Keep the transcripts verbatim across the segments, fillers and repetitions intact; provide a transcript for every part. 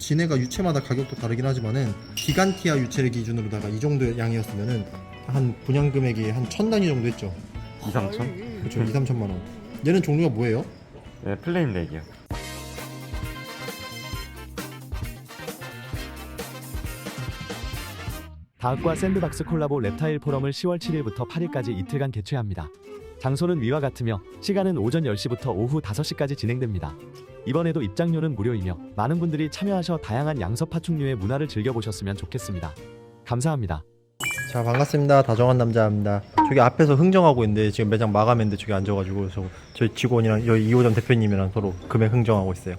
진해가 유체마다 가격도 다르긴 하지만은 기간티아 유체를 기준으로다가 이 정도 양이었으면은 한 분양 금액이 한 천 단위 정도 했죠. 이, 삼천? 그렇죠. 이, 삼천만 원. 얘는 종류가 뭐예요? 네, 플레임 렉이요. 다학과 샌드박스 콜라보 랩타일 포럼을 시월 칠일부터 팔일까지 이틀간 개최합니다. 장소는 위와 같으며 시간은 오전 열 시부터 오후 다섯 시까지 진행됩니다. 이번에도 입장료는 무료이며 많은 분들이 참여하셔 다양한 양서 파충류의 문화를 즐겨보셨으면 좋겠습니다. 감사합니다. 자, 반갑습니다. 다정한 남자입니다. 저기 앞에서 흥정하고 있는데 지금 매장 마감했는데 저기 앉아가지고 저, 저희 직원이랑 여기 이 호점 대표님이랑 서로 금액 흥정하고 있어요.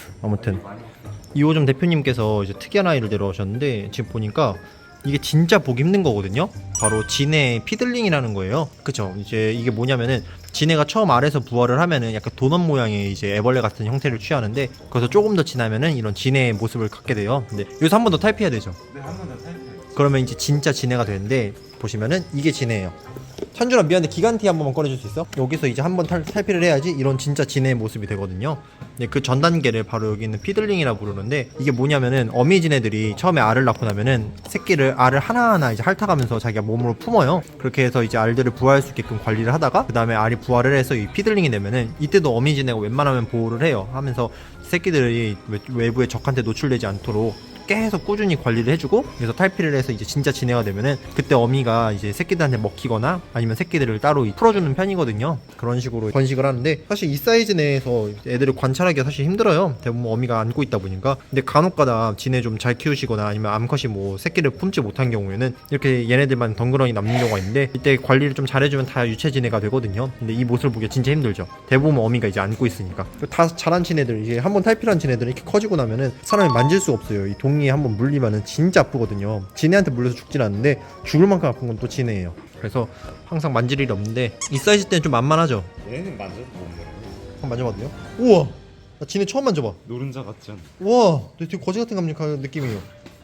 아무튼 이 호점 대표님께서 이제 특이한 아이를 데려오셨는데 지금 보니까 이게 진짜 보기 힘든 거거든요. 바로 진해 피들링이라는 거예요. 그쵸? 이제 이게 뭐냐면은 진해가 처음 알에서 부화를 하면은 약간 도넛 모양의 이제 애벌레 같은 형태를 취하는데 거기서 조금 더 지나면은 이런 진해의 모습을 갖게 돼요. 근데 여기서 한 번 더 탈피해야 되죠. 네, 한 번 더 타이ፕ해요. 그러면 이제 진짜 진해가 되는데 보시면은 이게 진해예요. 찬준아 미안한데 기간티 한 번만 꺼내줄 수 있어? 여기서 이제 한번 탈피를 해야지 이런 진짜 진해의 모습이 되거든요. 네, 그 전 단계를 바로 여기 있는 피들링이라 부르는데 이게 뭐냐면은 어미 진해들이 처음에 알을 낳고 나면은 새끼를 알을 하나하나 이제 핥아가면서 자기가 몸으로 품어요. 그렇게 해서 이제 알들을 부화할 수 있게끔 관리를 하다가 그 다음에 알이 부화를 해서 이 피들링이 되면은 이때도 어미 진해가 웬만하면 보호를 해요. 하면서 새끼들이 외부의 적한테 노출되지 않도록 계속 꾸준히 관리를 해주고 그래서 탈피를 해서 이제 진짜 진해가 되면은 그때 어미가 이제 새끼들한테 먹히거나 아니면 새끼들을 따로 풀어주는 편이거든요. 그런 식으로 번식을 하는데 사실 이 사이즈 내에서 애들을 관찰하기가 사실 힘들어요. 대부분 어미가 안고 있다 보니까. 근데 간혹가다 진해 좀 잘 키우시거나 아니면 암컷이 뭐 새끼를 품지 못한 경우에는 이렇게 얘네들만 덩그러니 남는 경우가 있는데 이때 관리를 좀 잘해주면 다 유체 진해가 되거든요. 근데 이 모습을 보기가 진짜 힘들죠. 대부분 어미가 이제 안고 있으니까. 다 자란 진해들 이제 한번 탈피한 진해들은 이렇게 커지고 나면은 사람이 만질 수가 없어요. 이 동 이 한번 물리면은 진짜 아프거든요. 진해한테 물려서 죽진 않는데 죽을 만큼 아픈 건 또 진해예요. 그래서 항상 만질 일이 없는데 이 사이즈 때는 좀 만만하죠. 얘는 만져도 못해요. 한번 만져봐도 돼요? 우와, 나 진해 처음 만져봐. 노른자 같지 않아? 우와, 되게 거지 같은 감giác 느낌이에요.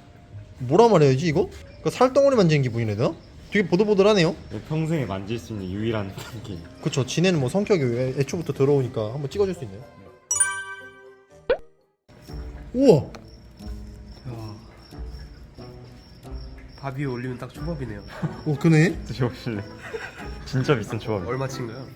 뭐라 말해야지 이거? 그러니까 살덩어리 만지는 기분이네. 나? 되게 보들보들하네요. 평생에 만질 수 있는 유일한 게. 그쵸. 진해는 뭐 성격이 애- 애초부터 더러우니까 한번 찍어줄 수 있나요? 우와, 밥 위에 올리면 딱 초밥이네요. 오 그네. 드셔보실래? 진짜 비싼 조합이에요. 얼마치인가요?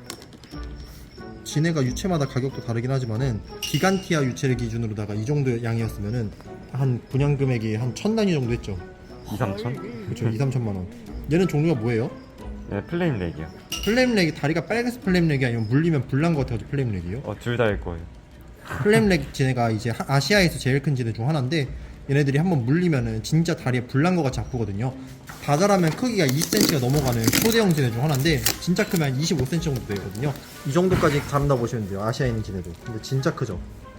진해가 유체마다 가격도 다르긴 하지만은 기간티아 유체를 기준으로다가 이 정도 양이었으면은 한 분양 금액이 한 천 단위 정도 했죠. 이, 삼천? 그렇죠. 이, 삼천만 원. 얘는 종류가 뭐예요? 네, 플레임 렉이요. 플레임렉이 다리가 빨개서 플레임렉이 아니면 물리면 불난 것 같아서 플레임렉이요? 어, 둘 다일 거예요. 플레임렉 진해가 이제 하- 아시아에서 제일 큰 진해 중 하나인데 얘네들이 한번 물리면은 진짜 다리에 불난 것 같이 아프거든요. 다 자라면 크기가 이십 센티미터가 넘어가는 초대형 진해 중 하나인데 진짜 크면 한 이십오 센티미터 정도 되거든요. 이 정도까지 자란다 보시면 돼요. 아시아에 있는 진해도. 근데 진짜 크죠.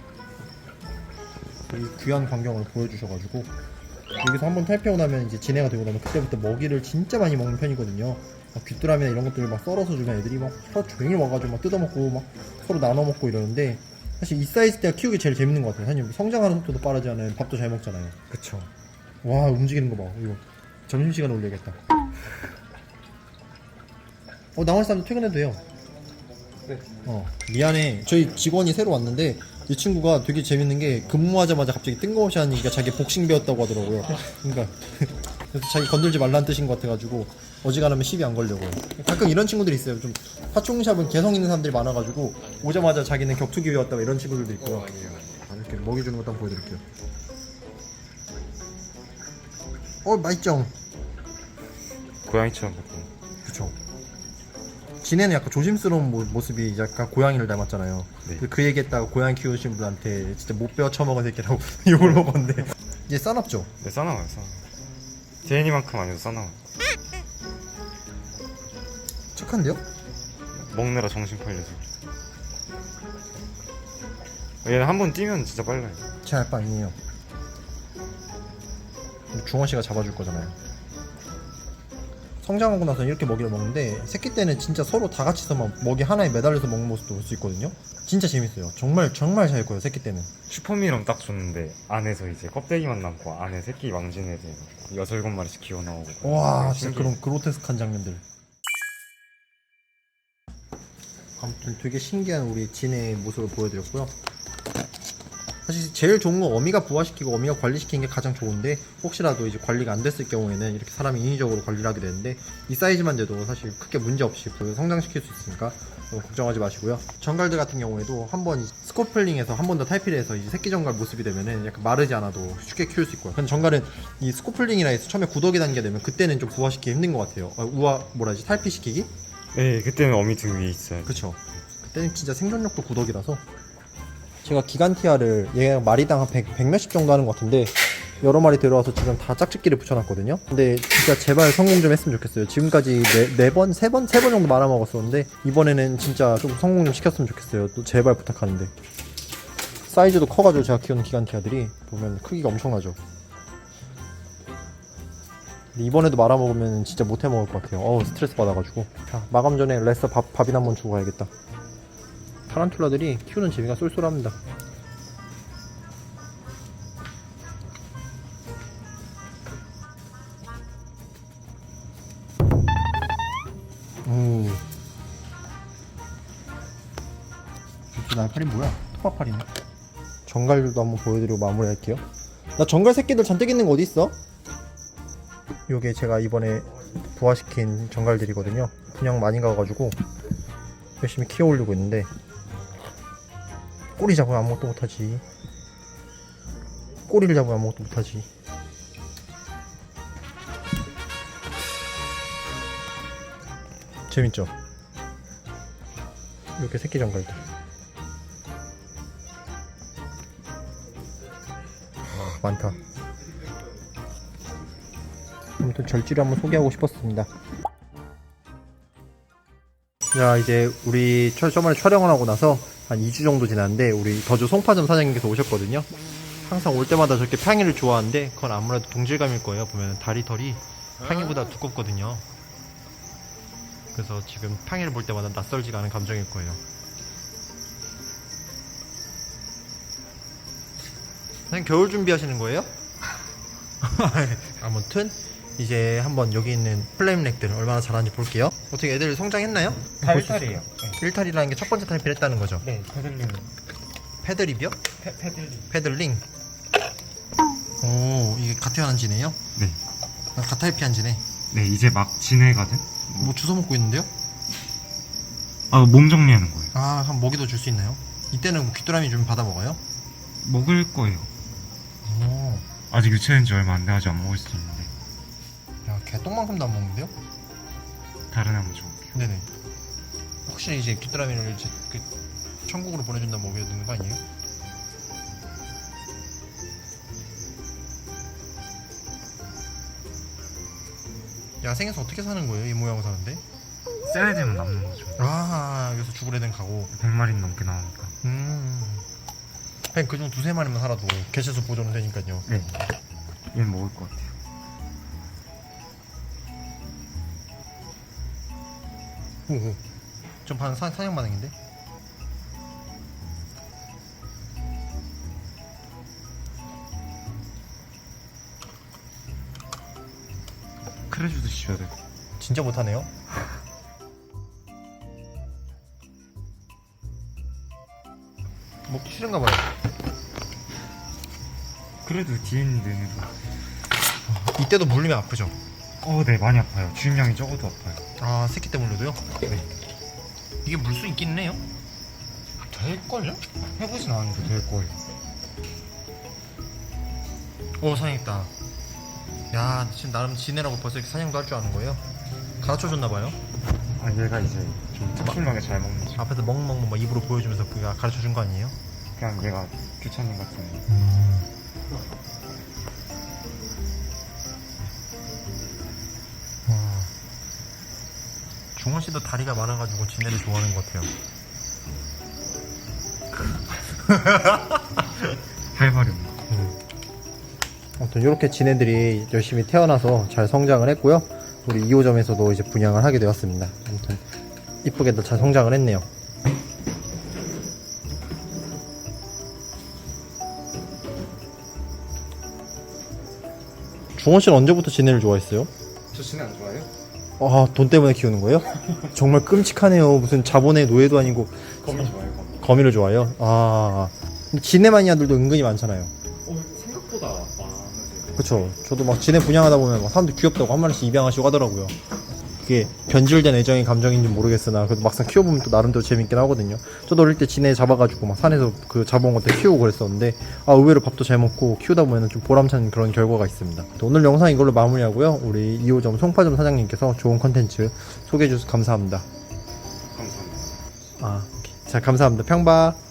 이 귀한 광경을 보여주셔가지고 여기서 한번 탈피하고 나면 이제 진해가 되고 나면 그때부터 먹이를 진짜 많이 먹는 편이거든요. 막 귀뚜라미나 이런 것들을 막 썰어서 주면 애들이 막 하루 종일 와가지고 막 뜯어먹고 막 서로 나눠 먹고 이러는데 사실 이 사이즈 때가 키우기 제일 재밌는 것 같아요. 사실 성장하는 속도도 빠르지 않아요. 밥도 잘 먹잖아요. 그쵸. 와 움직이는 거 봐. 이거 점심시간에 올려야겠다. 어 나머지 사람도 퇴근해도 돼요. 네. 어 미안해. 저희 직원이 새로 왔는데 이 친구가 되게 재밌는 게 근무하자마자 갑자기 뜬금없이 하는 얘기가 자기 복싱 배웠다고 하더라고요. 그러니까 그래서 자기 건들지 말라는 뜻인 것 같아가지고 어지간하면 시비 안 걸려고요. 가끔 이런 친구들이 있어요. 좀 파충샵은 개성 있는 사람들이 많아가지고 오자마자 자기는 격투기 배웠다고 이런 친구들도 있고요. 아, 이렇게 먹이 주는 것도 한번 보여드릴게요. 어 맛있죠? 고양이처럼 같은. 그쵸. 진해는 약간 조심스러운 모, 모습이 약간 고양이를 닮았잖아요. 네. 그, 그 얘기했다가 고양이 키우시는 분한테 진짜 못 배워 처먹은 새끼라고 욕을 먹었는데 이제 싸납죠? 네, 싸나워요, 싸나워. 제니만큼 아니어도 싸나워요. 착한데요? 먹느라 정신 팔려서. 얘는 한 번 뛰면 진짜 빨라요. 제 알바 아니에요. 중원 씨가 잡아줄 거잖아요. 성장하고 나서 이렇게 먹이를 먹는데 새끼 때는 진짜 서로 다 같이서 막 먹이 하나에 매달려서 먹는 모습도 볼 수 있거든요. 진짜 재밌어요. 정말 정말 잘 커요 새끼 때는. 슈퍼미럼 딱 줬는데 안에서 이제 껍데기만 남고 안에 새끼 망진 애들 여섯 일곱 마리씩 기어 나오고. 와 진짜 신기해. 그런 그로테스크한 장면들. 아무튼 되게 신기한 우리 진해의 모습을 보여드렸고요. 사실 제일 좋은 건 어미가 부화시키고 어미가 관리시키는 게 가장 좋은데 혹시라도 이제 관리가 안 됐을 경우에는 이렇게 사람이 인위적으로 관리를 하게 되는데 이 사이즈만 돼도 사실 크게 문제 없이 그 성장시킬 수 있으니까 너무 걱정하지 마시고요. 정갈들 같은 경우에도 한번 스코플링에서 한 번 더 탈피를 해서 이제 새끼 정갈 모습이 되면은 약간 마르지 않아도 쉽게 키울 수 있고요. 근데 정갈은 이 스코플링이라 해서 처음에 구더기 단계 되면 그때는 좀 부화시키기 힘든 것 같아요. 아, 우화 뭐라지 탈피시키기? 네, 그때는 어미 등 위에 있어요. 그쵸. 그때는 진짜 생존력도 구덕이라서. 제가 기간티아를 얘가 마리당 한 백, 백 몇십 정도 하는 것 같은데 여러 마리 들어와서 지금 다 짝짓기를 붙여놨거든요. 근데 진짜 제발 성공 좀 했으면 좋겠어요. 지금까지 네, 네 번, 세 번, 세 번 정도 말아먹었었는데 이번에는 진짜 좀 성공 좀 시켰으면 좋겠어요. 또 제발 부탁하는데. 사이즈도 커가지고 제가 키우는 기간티아들이 보면 크기가 엄청나죠. 근데 이번에도 말아먹으면 진짜 못해 먹을 것 같아요. 어우 스트레스 받아가지고. 자, 마감 전에 레서 밥, 밥이나 한번 주고 가야겠다. 타란툴라들이 키우는 재미가 쏠쏠합니다. 오. 이렇게 날파리 뭐야? 토파파리네. 정갈들도 한번 보여드리고 마무리할게요. 나 정갈 새끼들 잔뜩 있는 거 어디 있어? 요게 제가 이번에 부화시킨 정갈들이거든요. 분양 많이 가가지고 열심히 키워 올리고 있는데 꼬리 잡으면 아무것도 못하지. 꼬리를 잡으면 아무것도 못하지. 재밌죠? 이렇게 새끼 정갈들. 아, 많다. 아무튼 절지를 한번 소개하고 싶었습니다. 자, 이제 우리 저, 저번에 촬영을 하고 나서 한 이 주 정도 지났는데 우리 더주 송파점 사장님께서 오셨거든요. 항상 올 때마다 저렇게 팡이를 좋아하는데 그건 아무래도 동질감일 거예요. 보면 다리 털이 팡이보다 두껍거든요. 그래서 지금 팡이를 볼 때마다 낯설지가 않은 감정일 거예요. 그냥 겨울 준비하시는 거예요? 아무튼 이제 한번 여기 있는 플레임렉들 얼마나 잘하는지 볼게요. 어떻게 애들 성장했나요? 다 일 탈이에요. 일탈이라는 게 첫 번째 탈피를 했다는 거죠? 네, 패들링. 패드립이요? 패, 패들링. 패들링. 오, 이게 가태환한 지네요? 네. 아, 가타이피한 지네. 네, 이제 막 지내거든? 뭐 주워 먹고 있는데요? 아, 몸 정리하는 거예요. 아, 한 먹이도 줄 수 있나요? 이때는 뭐 귀뚜라미 좀 받아 먹어요? 먹을 거예요. 오, 아직 유치된 지 얼마 안 돼가지고 안 먹을 수 있는데. 야, 개똥만큼도 안 먹는데요? 다른 한번 줘볼게요. 네네. 혹시 이제 귀뚜라미를 이제 그 천국으로 보내준다 먹여야 되는 거 아니에요? 야생에서 어떻게 사는 거예요? 이 모양으로 사는데? 센 애들만 남는 거죠. 아, 여기서 죽을 애는 가고. 백 마리 넘게 나오니까. 음. 그냥 그중 두세 마리만 살아도 개체수 보존은 되니까요. 네. 얘는 먹을 것 같아요. 오오. 좀 반 사냥 반응인데? 크레주도 씌워야 돼. 진짜 못하네요. 먹기 싫은가 봐요. 그래도 뒤에 있는 데는. 이때도 물리면 아프죠? 어, 네, 많이 아파요. 주임량이 적어도 아파요. 아, 새끼 때 물려도요? 네. 이게 물 수 있긴 해요? 될걸요? 해보진 않았는데 될 거예요. 오, 사냥했다. 야, 지금 나름 지내라고 벌써 이렇게 사냥도 할 줄 아는 거예요? 가르쳐줬나봐요? 아, 얘가 이제 좀 특출나게 잘 먹는 집. 앞에서 먹먹먹 막 입으로 보여주면서 그가 가르쳐준 거 아니에요? 그냥 얘가 규찬님 같은. 와. 중원 씨도 다리가 많아가지고 지네를 좋아하는 것 같아요. 활발히 없는 거. 아무튼 이렇게 지네들이 열심히 태어나서 잘 성장을 했고요. 우리 이 호점에서도 이제 분양을 하게 되었습니다. 아무튼 이쁘게도 잘 성장을 했네요. 중원 씨는 언제부터 지네를 좋아했어요? 저 진해 안 좋아해요? 아, 돈 때문에 키우는 거예요? 정말 끔찍하네요. 무슨 자본의 노예도 아니고 거미 좋아해요, 거미. 거미를 좋아해요? 아, 근데 진해 마니아들도 은근히 많잖아요. 어, 생각보다 많으세요. 그쵸. 저도 막 진해 분양하다 보면 막 사람들 귀엽다고 한 마리씩 입양하시고 하더라고요. 그게 변질된 애정의 감정인지 모르겠으나 그래도 막상 키워보면 또 나름대로 재밌긴 하거든요. 저도 어릴 때 진해 잡아가지고 막 산에서 그 잡아온 것들 키우고 그랬었는데 아 의외로 밥도 잘 먹고 키우다 보면 좀 보람찬 그런 결과가 있습니다. 또 오늘 영상 이걸로 마무리하고요. 우리 이 호점 송파점 사장님께서 좋은 컨텐츠 소개해 주셔서 감사합니다. 감사합니다. 아, 오케이. 자 감사합니다. 평바.